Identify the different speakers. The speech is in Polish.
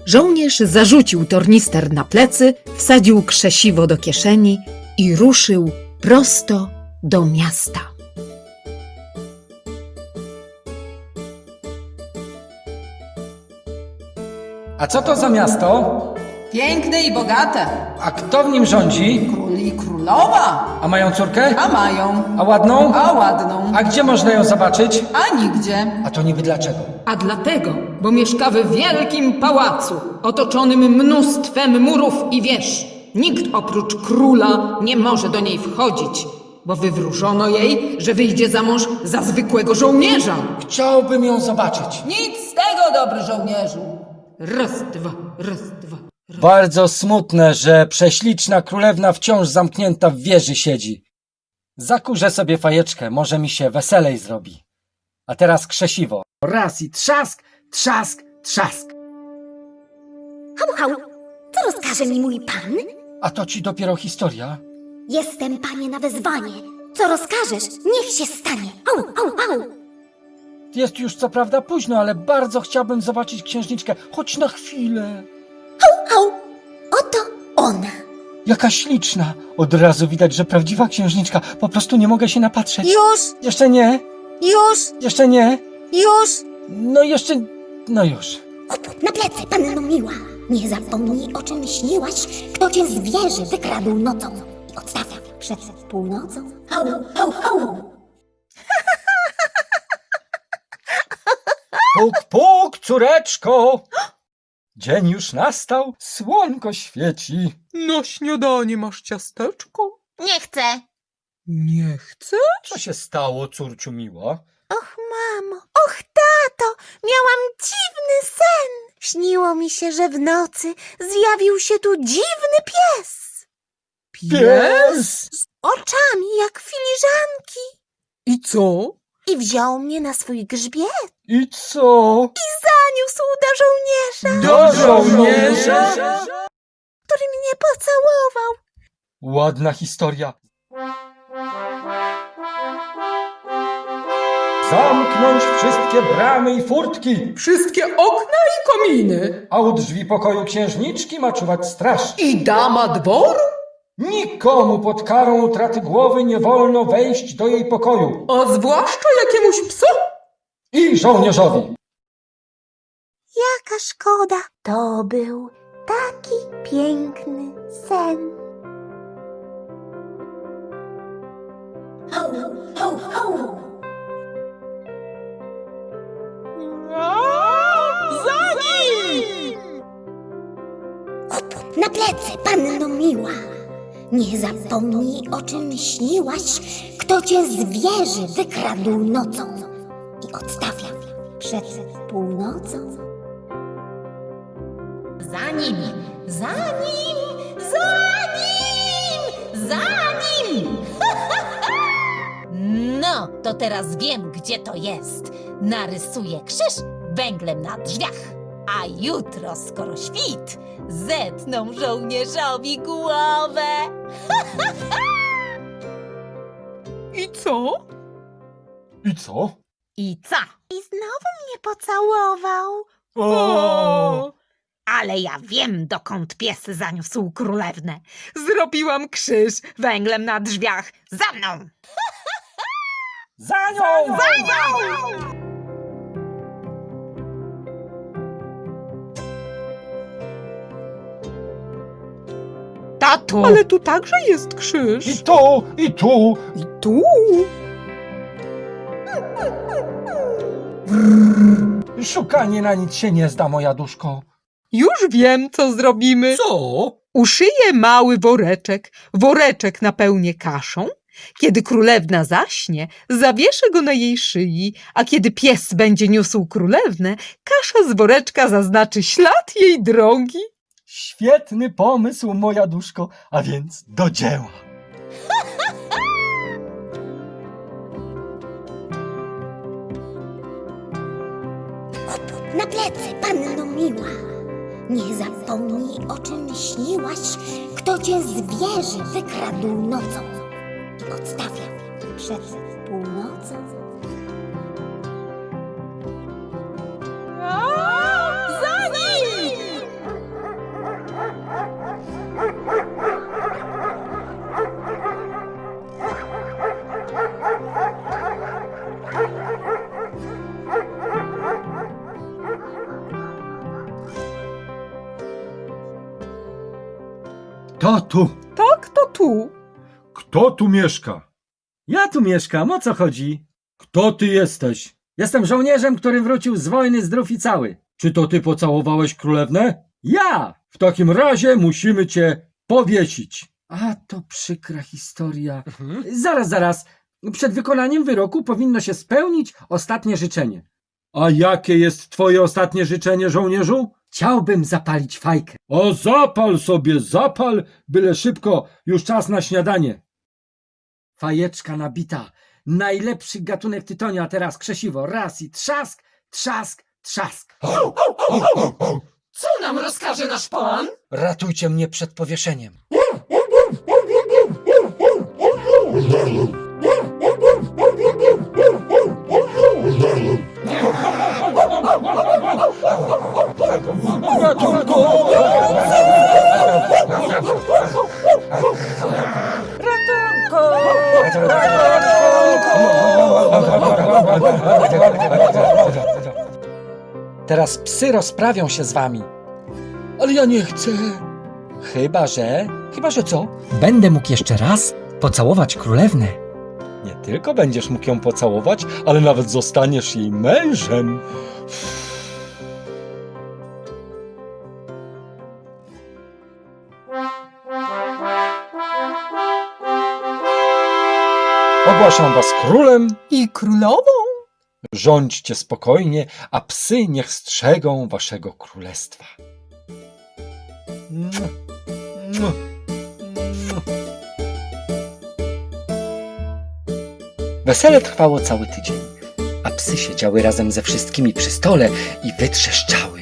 Speaker 1: Żołnierz zarzucił tornister na plecy, wsadził krzesiwo do kieszeni i ruszył prosto do miasta.
Speaker 2: A co to za miasto?
Speaker 3: Piękne i bogate.
Speaker 2: A kto w nim rządzi?
Speaker 3: Król i królowa.
Speaker 2: A mają córkę?
Speaker 3: A mają.
Speaker 2: A ładną?
Speaker 3: A ładną.
Speaker 2: A gdzie można ją zobaczyć?
Speaker 3: A nigdzie.
Speaker 2: A to niby dlaczego?
Speaker 1: A dlatego, bo mieszka w wielkim pałacu, otoczonym mnóstwem murów i wież. Nikt oprócz króla nie może do niej wchodzić, bo wywróżono jej, że wyjdzie za mąż za zwykłego żołnierza.
Speaker 2: Chciałbym ją zobaczyć.
Speaker 3: Nic z tego, dobry żołnierzu.
Speaker 1: Raz, dwa, raz, dwa.
Speaker 2: Bardzo smutne, że prześliczna królewna wciąż zamknięta w wieży siedzi. Zakurzę sobie fajeczkę, może mi się weselej zrobi. A teraz krzesiwo. Raz i trzask, trzask, trzask.
Speaker 4: Hał, co rozkaże mi mój pan?
Speaker 2: A to ci dopiero historia?
Speaker 4: Jestem, panie, na wezwanie. Co rozkażesz, niech się stanie. Au.
Speaker 2: Jest już co prawda późno, ale bardzo chciałbym zobaczyć księżniczkę, choć na chwilę.
Speaker 4: Au, oto ona.
Speaker 2: Jaka śliczna! Od razu widać, że prawdziwa księżniczka. Po prostu nie mogę się napatrzeć.
Speaker 4: Już,
Speaker 2: Jeszcze nie, jeszcze nie. No już.
Speaker 4: Op, na plecy, panno miła. Nie zapomnij, o czym śniłaś, kto cię z wieży wykradł nocą i odstawia przed północą. Au.
Speaker 2: Puk, puk, córeczko! Dzień już nastał, słonko świeci.
Speaker 5: Na śniadanie masz ciasteczko?
Speaker 6: Nie chcę.
Speaker 5: Nie chcę?
Speaker 2: Co się stało, córciu miła?
Speaker 6: Och, mamo, och, tato, miałam dziwny sen. Śniło mi się, że w nocy zjawił się tu dziwny pies.
Speaker 2: Pies!
Speaker 6: Z oczami jak filiżanki.
Speaker 5: I co?
Speaker 6: I wziął mnie na swój grzbiet.
Speaker 2: I co?
Speaker 6: Zaniósł do żołnierza,
Speaker 2: Do żołnierza!
Speaker 6: który mnie pocałował.
Speaker 2: Ładna historia. Zamknąć wszystkie bramy i furtki,
Speaker 5: Wszystkie okna i kominy.
Speaker 2: a u drzwi pokoju księżniczki ma czuwać straż.
Speaker 5: I dama dworu?
Speaker 2: Nikomu pod karą utraty głowy nie wolno wejść do jej pokoju.
Speaker 5: A zwłaszcza jakiemuś psu?
Speaker 2: I żołnierzowi.
Speaker 6: Jaka szkoda. To był taki piękny sen.
Speaker 4: Au.
Speaker 5: Za nim!
Speaker 4: Op, na plecy, panno miła. Nie zapomnij, o czym śniłaś, kto cię z wieży wykradł nocą i odstawia przed północą.
Speaker 6: Za nim! No, to teraz wiem, gdzie to jest. Narysuję krzyż węglem na drzwiach. A jutro, skoro świt, zetną żołnierzowi głowę.
Speaker 5: I co?
Speaker 2: I co?
Speaker 6: I co? I znowu mnie pocałował.
Speaker 5: O!
Speaker 6: Ale ja wiem, dokąd pies zaniósł królewnę. Zrobiłam krzyż węglem na drzwiach. Za mną!
Speaker 2: Za nią!
Speaker 6: Tatu!
Speaker 5: Ale tu także jest krzyż.
Speaker 2: I tu, i tu.
Speaker 5: I tu?
Speaker 2: Szukanie na nic się nie zda, moja duszko.
Speaker 5: Już wiem, co zrobimy.
Speaker 2: Co?
Speaker 5: Uszyję mały woreczek napełnię kaszą. Kiedy królewna zaśnie, zawieszę go na jej szyi, a kiedy pies będzie niósł królewnę, kasza z woreczka zaznaczy ślad jej drogi.
Speaker 2: Świetny pomysł, moja duszko, a więc do dzieła.
Speaker 4: Na plecy, panno miła. Nie zapomnij, o czym śniłaś, kto cię z wieży wykradł nocą i odstawia przed północą.
Speaker 6: Za nim!
Speaker 2: Kto tu?
Speaker 5: Tak, to tu.
Speaker 7: Kto tu mieszka?
Speaker 2: Ja tu mieszkam, o co chodzi? Kto ty jesteś? Jestem żołnierzem, który wrócił z wojny zdrów i cały.
Speaker 7: Czy to ty pocałowałeś królewnę?
Speaker 2: Ja!
Speaker 7: W takim razie musimy cię powiesić.
Speaker 2: A to przykra historia. Zaraz. Przed wykonaniem wyroku powinno się spełnić ostatnie życzenie.
Speaker 7: A jakie jest twoje ostatnie życzenie, żołnierzu?
Speaker 2: Chciałbym zapalić fajkę.
Speaker 7: O, zapal sobie, zapal, byle szybko, już czas na śniadanie.
Speaker 2: Fajeczka nabita. Najlepszy gatunek tytonia, a teraz krzesiwo. Raz i trzask, trzask, trzask.
Speaker 1: Co nam rozkaże nasz pan?
Speaker 2: Ratujcie mnie przed powieszeniem. Teraz psy rozprawią się z wami. Ale ja nie chcę. Chyba, że co? Będę mógł jeszcze raz pocałować królewnę. Nie tylko będziesz mógł ją pocałować, ale nawet zostaniesz jej mężem. Ogłaszam was królem.
Speaker 5: I królową.
Speaker 2: Rządźcie spokojnie, a psy niech strzegą waszego królestwa. Wesele trwało cały tydzień, a psy siedziały razem ze wszystkimi przy stole i wytrzeszczały.